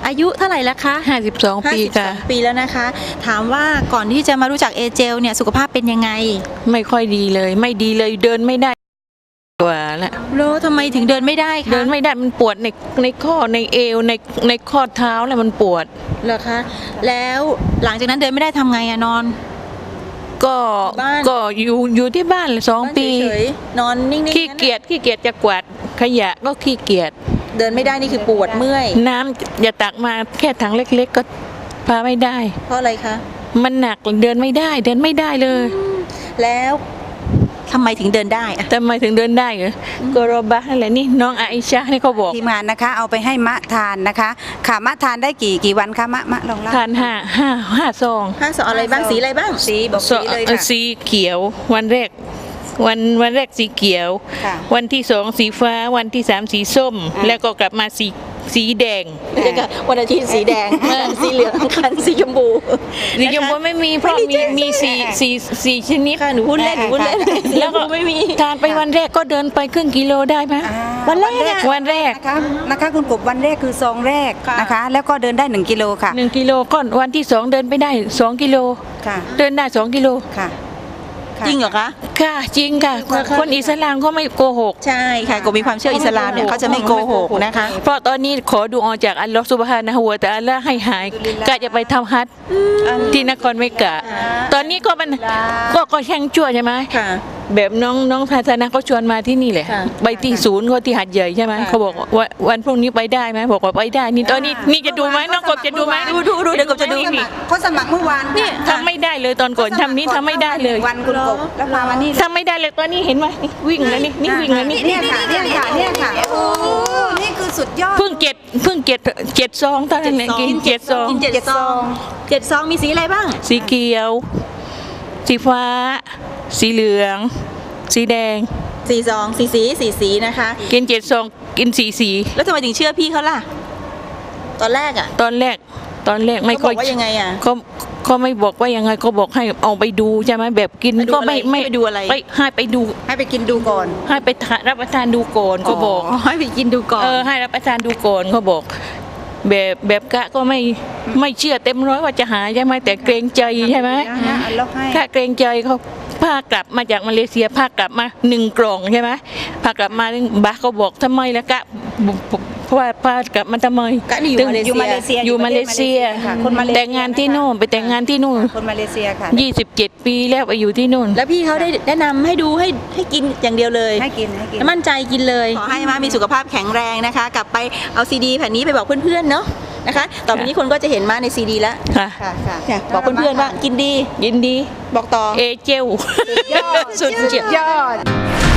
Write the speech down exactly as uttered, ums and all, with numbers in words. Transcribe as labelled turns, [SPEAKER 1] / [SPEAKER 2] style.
[SPEAKER 1] อายุเท่าไหร่แล้วคะ
[SPEAKER 2] ห้าสิบสองปีค่ะ
[SPEAKER 1] ปีแล้วนะคะถามว่าก่อนที่จะมารู้จักเอเจลเนี่ยสุขภาพเป็นยังไง
[SPEAKER 2] ไม่ค่อยดีเลยไม่ดีเลยเดินไม่ได้กว่าละ
[SPEAKER 1] แล้วทำไมถึงเดินไม่ได้คะ
[SPEAKER 2] เดินไม่ได้มันปวดในในข้อในเอวในในข้อเท้าแล้วมันปวด
[SPEAKER 1] เหรอคะแล้วหลังจากนั้นเดินไม่ได้ทำไงอะนอน
[SPEAKER 2] ก็ก็อยู่อยู่ที่บ้านสองปี
[SPEAKER 1] นอนนิ่งๆ
[SPEAKER 2] ขี้เกียจขี้เกียจจะกวาดขยะก็ขี้เกียจ
[SPEAKER 1] เดินไม่ได้นี่คือปวดเมื่อย
[SPEAKER 2] น้ำอย่าตักมาแค่ถังเล็กๆก็พาไม่ได้
[SPEAKER 1] เพราะอะไรคะ
[SPEAKER 2] มันหนักเดินไม่ได้เดินไม่ได้เลย
[SPEAKER 1] แล้วทำไมถึงเดินได้อะ
[SPEAKER 2] ทำไมถึงเดินได้เหรอก็รบะนั่นแหละนี่น้องอาอิชานี่เขาบอก
[SPEAKER 3] ทีมงานนะคะเอาไปให้มะทานนะคะค่ะมะทานได้กี่กี่วันคะมะมะลองเล่า
[SPEAKER 2] ทานห้าห้าห้าซอง
[SPEAKER 1] ห้าซองอะไรบ้างสีอะไรบ้าง
[SPEAKER 3] สีบอกสีเลยค่ะ
[SPEAKER 2] สีเขียววันแรกวันวันแรกสีเขียววันที่สองสีฟ้าวันที่สามสีส้มแล้วก็กลับมาสีสีแดง
[SPEAKER 1] วันอาทิตย์สีแดงสีเหลืองคันสีชมพู
[SPEAKER 2] สีชมพูไม่มีเพราะมีมีสีสีสีชนิด
[SPEAKER 1] ค่ะหนูพูดเล่นหนูพูดเล่น
[SPEAKER 2] แล้วก็ไม่มีทานไปวันแรกก็เดินไปครึ่งกิโลได้ไหม
[SPEAKER 1] วันแรก
[SPEAKER 2] วันแรก
[SPEAKER 3] นะคะนะคะคุณกบวันแรกคือซองแรกนะคะแล้วก็เดินได้หนึ่งกิโลค่ะ
[SPEAKER 2] หนึ่งกิโลก็วันที่สองเดินไปได้สองกิโล
[SPEAKER 3] ค่ะ
[SPEAKER 2] เดินได้สองกิโล
[SPEAKER 3] ค่ะ
[SPEAKER 1] จริงเหรอคะ
[SPEAKER 2] ค่ะจริงค่ะคนอิสลามเขาไม่โกหก
[SPEAKER 1] ใช่ค่ะก็มีความเชื่ออิสลามเนี่ยเขาจะไม่โกหกนะคะ
[SPEAKER 2] เพราะตอนนี้ขอดูออกจากอัลลอฮฺซุบฮานะฮูวะตะอาลาให้หายก็จะไปทำฮัจญ์ที่นครเมกะตอนนี้ก็มันก็ก็แข่งชั่วใช่ไหมแบบน้องน้องภาษานะเขาชวนมาที่นี่แหละไปที่ศูนย์เขาที่หัดใหญ่ใช่ไหมเขาบอกว่าวันพรุ่งนี้ไปได้ไหมบอกว่าไปได้นี่ตอนนี้นี่จะดูไหมน้องกบจะดูไหม
[SPEAKER 1] ดูดูดูเดี๋ยวกบจะดู
[SPEAKER 3] เขาสมัครเมื่อวาน
[SPEAKER 2] นี่ทำไม่ได้เลยตอนก่อนทำนี้ทำไม่ได้เลย
[SPEAKER 3] วันคุณกบแล้วมาวันนี้
[SPEAKER 2] ทำไม่ได้เลยตอนนี้เห็นไหมวิ่งแล้วนี่นี่วิ่งแล้วนี่
[SPEAKER 3] เนี่ยค่ะเนี่ยค่ะเนี่ยค่ะโอ้นี่คือสุดยอด
[SPEAKER 2] เพิ่งเจ็ดเพิ่งเจ็ดเจ็ดซองตอนนั้นกินเจ็ดซอง
[SPEAKER 1] กินเจ็ดซองเจ็ดซองมีสีอะไรบ้าง
[SPEAKER 2] สีเขียวสีฟ้าสีเหลืองสีแดง
[SPEAKER 1] สีซองสีสีสีสีนะคะ
[SPEAKER 2] กินเจ็ดซองกินสีสี
[SPEAKER 1] แล้วทำไมถึงเชื่อพี่เขาล่ะตอนแรกอ่ะ
[SPEAKER 2] ตอนแรกตอนแรกไม่ค่อย
[SPEAKER 1] ว่ายังไงอ่ะ
[SPEAKER 2] เขาเขาไม่บอกว่ายังไงเขาบอกให้เอาไปดูใช่ไหมแบบกินก็ไม่ไม่
[SPEAKER 1] ไปดูอะไร
[SPEAKER 2] ไปให้ไปดู
[SPEAKER 3] ให้ไปกินดูก่อน
[SPEAKER 2] ให้ไปรับประทานดูก่อนเขาบอก
[SPEAKER 1] ให้ไปกินดูก่อน
[SPEAKER 2] เออให้รับประทานดูก่อนเขาบอกแบบแบบกะก็ไม่ไม่เชื่อเต็มร้อยว่าจะหายใช่ไหมแต่เกรงใจใช่ไหมถ้าเกรงใจเขาพากลับมาจากมาเลเซียพากลับมาหนึ่งกล่องใช่ไหมพากลับมาบาเขาบอกทำไมล่ะกะเพราะว่าพากลับมาทำไม
[SPEAKER 1] กะอยู่มาเลเซีย
[SPEAKER 2] อยู่มาเลเซียแต่งงานที่นู่นไปแต่งงานที่นู่น
[SPEAKER 3] คนมาเลเซียค่ะ
[SPEAKER 2] ยี่สิบเจ็ดปีแล้วไปอยู่ที่นู่น
[SPEAKER 1] แล้วพี่เขาได้แนะนำให้ดูให้ให้กินอย่างเดียวเลย
[SPEAKER 3] ให้กินให้กิน
[SPEAKER 1] มั่นใจกินเลยขอให้มามีสุขภาพแข็งแรงนะคะกลับไปเอาซีดีแผ่นนี้ไปบอกเพื่อนๆเนาะนะคะต่อไปนี้คนก็จะเห็นมาในซีดีแล้ว
[SPEAKER 2] ค่ะ
[SPEAKER 1] ค่ะบอกเพื่อนๆว่ากินดี
[SPEAKER 2] กินดี
[SPEAKER 1] บอกต่อ
[SPEAKER 2] เอเจล
[SPEAKER 3] สุดยอดสุดยอด